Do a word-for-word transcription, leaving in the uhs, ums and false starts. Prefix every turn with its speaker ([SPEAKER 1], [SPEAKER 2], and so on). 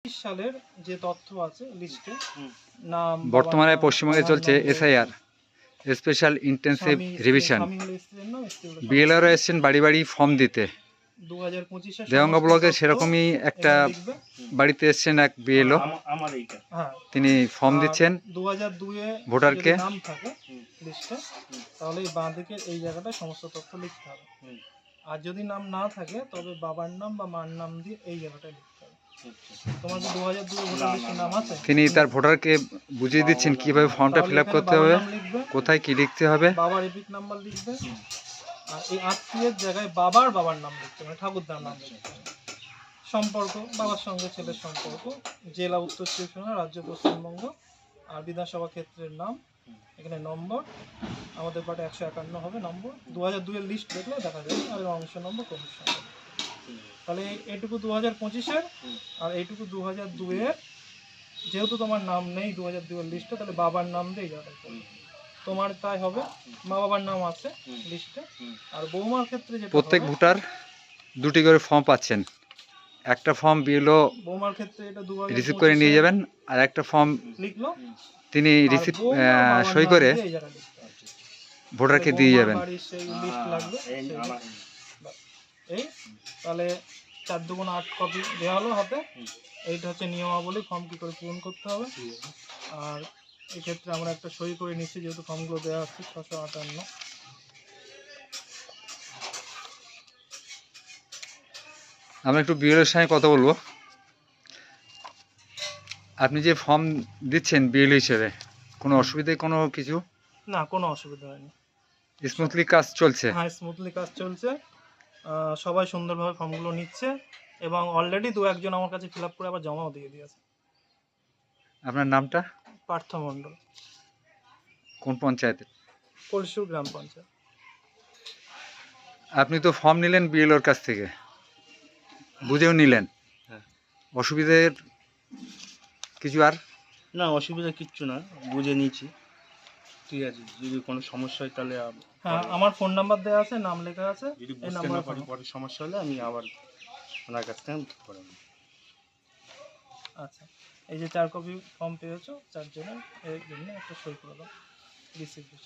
[SPEAKER 1] সালের যে তথ্য আছে লিস্টে নাম
[SPEAKER 2] বর্তমানে পশ্চিমবঙ্গে চলছে SIR special intensive revision. BLRO এসছেন বাড়ি বাড়ি ফর্ম দিতে। দেওয়াঙ্গা ব্লকে সেরকমই একটা বাড়িতে এসছেন এক বিএলও, তিনি ফর্ম দিচ্ছেন
[SPEAKER 1] দু হাজার দুই এ
[SPEAKER 2] ভোটারকে।
[SPEAKER 1] নাম থাকে লিস্টে তাহলে এই বাঁ দিকে এই জায়গাটায় সমস্ত তথ্য লিখতে হবে, আর যদি নাম না থাকে তবে বাবার নাম বা মার নাম দিয়ে এই জায়গাটায় লিখতে হবে। তোমার কি দু হাজার দুই ভোটার লিস্টে নাম আছে?
[SPEAKER 2] তিনি তার ভোটারকে বুঝিয়ে দিচ্ছেন কিভাবে ফর্মটা ফিল আপ করতে হবে, কোথায় কি লিখতে হবে।
[SPEAKER 1] বাবার এপিক নাম্বার লিখবে, আর এই আত্মীয়ের জায়গায় বাবার বাবার নাম লিখতে হবে, ঠাকুরদার নাম লিখতে হবে। সম্পর্ক বাবার সঙ্গে ছেলের সম্পর্ক, জেলা উত্তর চব্বিশ পরগনা, রাজ্য পশ্চিমবঙ্গ, আর বিধানসভা ক্ষেত্রের নাম, এখানে নম্বর আমাদের পাটে একশো একান্ন হবে নম্বর। দু হাজার দুই এর লিস্ট দেখলে দেখা যাবে, আর অংশ নম্বর কমিশন। তাহলে এইটুকু দু হাজার পঁচিশের আর এইটুকু দু হাজার দুই এর। যেহেতু তোমার নাম নেই দু হাজার দুই এর লিস্টে, তাহলে বাবার নাম দিয়ে যাবে তোমার, তাই হবে। মা বাবার নাম আছে লিস্টে। আর বৌমার ক্ষেত্রে যেটা
[SPEAKER 2] প্রত্যেক ভোটার দুটি করে ফর্ম পাচ্ছেন। একটা ফর্ম বিএলও
[SPEAKER 1] বৌমার ক্ষেত্রে এটা দু হাজার
[SPEAKER 2] রিসিভ করে নিয়ে যাবেন, আর একটা ফর্ম
[SPEAKER 1] লিখলো
[SPEAKER 2] তিনি রিসিভ সই করে ভোটারকে দিয়ে যাবেন।
[SPEAKER 1] এই তাহলে চার দুগুণ আট কপি দেওয়া হলো হাতে। এইটা হচ্ছে নিয়মাবলী, ফর্ম কী করে পূরণ করতে হবে। আর এক্ষেত্রে আমরা একটা সই করে নিচ্ছি, যেহেতু ফর্মগুলো দেওয়া হচ্ছে ছশো আটান্ন।
[SPEAKER 2] আমরা একটু বিএলওর সঙ্গে কথা বলবো। আপনি যে ফর্ম দিচ্ছেন বিএলও হিসেবে, কোনো অসুবিধায় কোনো কিছু?
[SPEAKER 1] না, কোনো অসুবিধা হয়নি,
[SPEAKER 2] স্মুথলি কাজ চলছে।
[SPEAKER 1] হ্যাঁ, স্মুথলি কাজ চলছে। সবাই সুন্দরভাবে ফর্মগুলো নিচ্ছে, এবং অলরেডি দু একজন আমার কাছে ফিল আপ করে আবার জমাও দিয়ে দিয়েছে।
[SPEAKER 2] আপনার নামটা?
[SPEAKER 1] পার্থ মণ্ডল।
[SPEAKER 2] কোন পঞ্চায়েতের?
[SPEAKER 1] কলসুর গ্রাম পঞ্চায়েত।
[SPEAKER 2] আপনি তো ফর্ম নিলেন বিএলওর কাছ থেকে, বুঝেও নিলেন, অসুবিধের কিছু? আর
[SPEAKER 3] না, অসুবিধা কিচ্ছু না, বুঝে নিয়েছি। ঠিক আছে, যদি কোনো সমস্যা হয় তাহলে
[SPEAKER 1] হ্যাঁ, আমার ফোন নাম্বার দেওয়া আছে, নাম লেখা আছে।
[SPEAKER 3] যদি বুঝতে না পারি পরে সমস্যা হলে আমি আবার ওনার কাছ থেকে করে নেব।
[SPEAKER 1] আচ্ছা, এই যে চার কপি ফর্ম পেয়েছো, চারজনের এই জন্য একটা সই করে দাও রিসিপ্ট।